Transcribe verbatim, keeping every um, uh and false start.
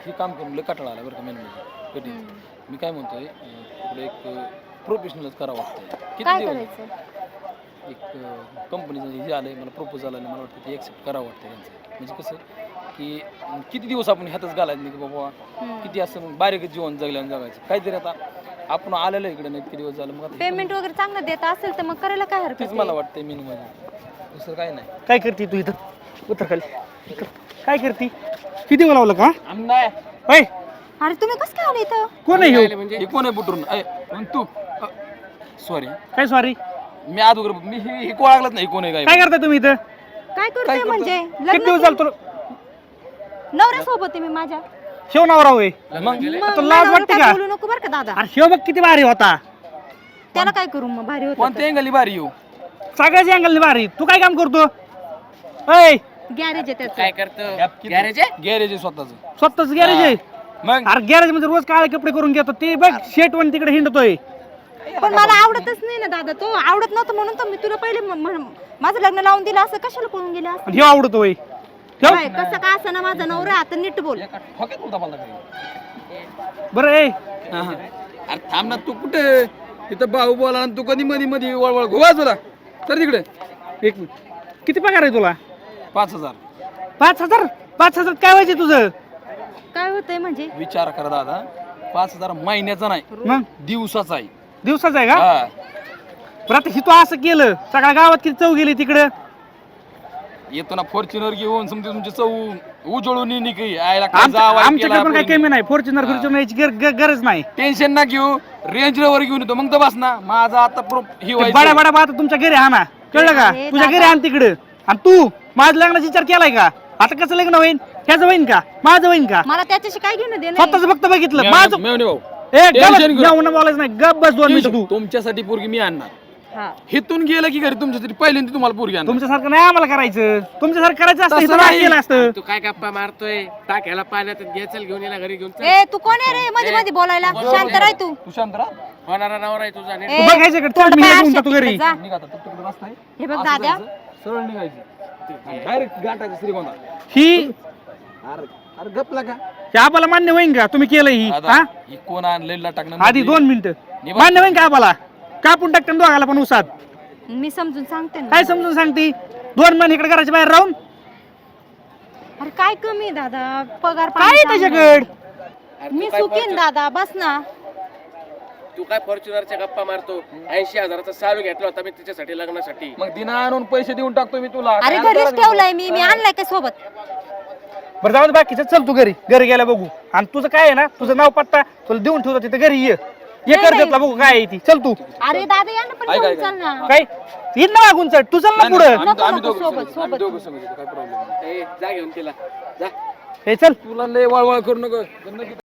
हे काम करून लय कटाळा आला बरं का मेन म्हणजे कठीण. मी काय म्हणतोय पुढे एक प्रोफेशनलच करावं वाटतंय. किती काय दिवस करायचं? एक कंपनीचं हे आलंय मला प्रपोजल आलं, मला वाटतं ते ॲक्सेप्ट करावं वाटतं त्यांचं. म्हणजे कसं की किती दिवस आपण ह्यातच घालायचं नाही की बाबा किती असं बारीक जीवन जगल्यानं जगायचं काहीतरी. आता आपण आलेलो इकडे नाही इतके दिवस झालं, मग आता पेमेंट वगैरे चांगलं देत असेल तर मग करायला काय हरकत तेच आहे? मला वाटतंय मेन म्हणजे दुसरं काय नाही. काय करते तू इथं? उतर खाली. काय करते? किती बोलावलं का? नाही होय, अरे तुम्ही कसं काय आले इथं? कोण आहे ह्यो? म्हणजे हे कोण आहे बुटरून? अय मग तू सॉरी काय सॉरी? मी अगोदर मी हे हे कोळागलंच नाही कोण आहे काय. काय करताय तुम्ही इथं? काय करतोय म्हणजे किती दिवस झालं तुला? नवऱ्यासोबत आहे मी माझ्या. शेव नवरा होय. मग मग लाज नवऱ्याला वाटते काय का? बोलू नको बरं का दादा. अरे शेव बघ किती भारी होता. त्याला काय करू मग? भारी होतं कोणत्या अँगली भारी येऊ सगळ्याची अँगल भारी. तू काय काम करतो? होय, गॅरेज आहे त्याचं. काय करतो? गॅरेज आहे? गॅरेज आहे स्वतःच. स्वतःच गॅरेज आहे. मग अरे गॅरेज मध्ये रोज काळे कपडे करून घेतो ते बघ. शेट वन तिकडे हिंडतोय. पण मला आवडतच नाही ना दादा. तो आवडत नव्हतं म्हणून तर मी तुला पहिले म- म- माझं लग्न लावून दिलं. असं कशाला पळून गेले असं? आणि ह्यो आवडतोय. ठेव. काय, कसं का असं ना माझा नवरा आता नीट बोल. एका ठोक्यात बोलता मला काही. बरं ए हा, हा. अरे थांब ना तू कुठे तिथं भाऊ बोला आणि तू कधी मध्ये मध्ये वळवळ गोवा तुला तर तिकडे एक मिनिट. किती पगार आहे तुला? पाच हजार. पाच हजार? पाच हजार काय व्हायचे तुझं? काय होतंय म्हणजे? विचार करा दादा, पाच हजार महिन्याचा नाही मग दिवसाचा आहे. दिवसाचं आहे का? हा. बरं आता ही तू असं केलं, सगळ्या गावात किती चव गेली तिकडं. येतो ना फॉर्च्युनर घेऊन समजा तुमची चव उजळून येईन की आयला काय आमच्या- जावं आमच्याकडे पण काही कमी नाही. फॉर्च्युनर फॉर्च्युनर याची गर- गर- गरज नाही. टेन्शन ना घेऊ. रेंज रोवर घेऊन येतो मग तर बस ना. माझा आता प्रो ही ते व्हायचं. बड्या बड्या आता तुमच्या घरी आणा, कळलं का? अरे तुझ्या घरी दादा. आण तिकडं. आणि तू माझ्या लग्नाचा विचार केलाय का? आता कसं लग्न होईन? ह्याचं होईन का? माझं होईन का? मला त्याच्याशी काय घेणं देणं आहे? स्वतःच फक्त बघितलं मेवणे- माझं. मेवणे भाऊ ए टेन्शन गप, घेऊ. मेवणं बोलायचं नाही. गप बस दोन मिनिटं तू. तुमच्यासाठी पोरगी मी आणणार. हा. हिथून गेलं की घरी तुमच्यासाठी पहिल्यांदा तुम्हाला पोरगी आणणार. तुमच्यासारखं नाही आम्हाला करायचं. तुमच्यासारखं करायचं असतं तसं इथं नाही नाही. केलं असतं. तू काय गप्पा मारतोय? टाक्याला पाण्यात घ्यायचल घेऊन येला घरी घेऊन चल. ए तू कोण आहे रे मध्ये मध्ये बोलायला? शांत राह तू. तू शांत राहा. होणारा नवरा आहे तुझा नीट. ए, तू बघायचं का? तोंड चल, मी पाय घेऊन अशे जातो घरी. तिकडे जा. निघा आता, तू तिकडे रस्ता आहे. हे बघ असं दादा. जायचं, सरळ निघायचं डायरेक्ट गाठायचं श्रीगोंदा. ही अरे अरे गपला का हे आम्हाला मान्य होईन का? तुम्ही केलं ही दादा, हा? ही कोण आणलेला टाकणं आधी म्हणजे? दोन मिनिटं निवांत. मान्य होईन का आम्हाला? कापून टाकतं दोघाला पण उसात. मी समजून सांगते ना. काय समजून सांगते? दोन महिने इकडे घराच्या बाहेर राहून अरे काय कमी आहे दादा? पगार काय पाणी त्याच्याकडे? चांगलं. अरे मी तू काय सुखीन दादा. बस ना. तू काय फॉर्च्युनरच्या गप्पा मारतो? ऐंशी हजाराचा सालू घेतला होता मी तिच्यासाठी लग्नासाठी. मग दिना आणून पैसे देऊन टाकतो मी तुला. अरे काय घरीच अंदाज ठेवलाय मी. मी आणलाय काय सोबत? बरं जाऊ दे बाकीचं. चल तू घरी. घरी गेला बघू. आणि तुझं काय आहे ना, तुझं नाव पत्ता तुला देऊन ठेवतो तिथे. घरी ये ये नाही, कर नाही. घेतला बघू काय आहे ती. चल तू. अरे दादा या ना पण ऐक, घेऊन ऐक, चल ना. काय येईन ना मागून चढ. तू चल ना नाही, नाही, पुढं. आम्ही- नको, आम्ही नको, दोघं सोबत, संगत, आम्ही सोबत. दोघं संगत येतो, काय प्रॉब्लेम नाही. ए, जा घेऊन तिला जा. हे चल. तुला लय वळवळ करू नको.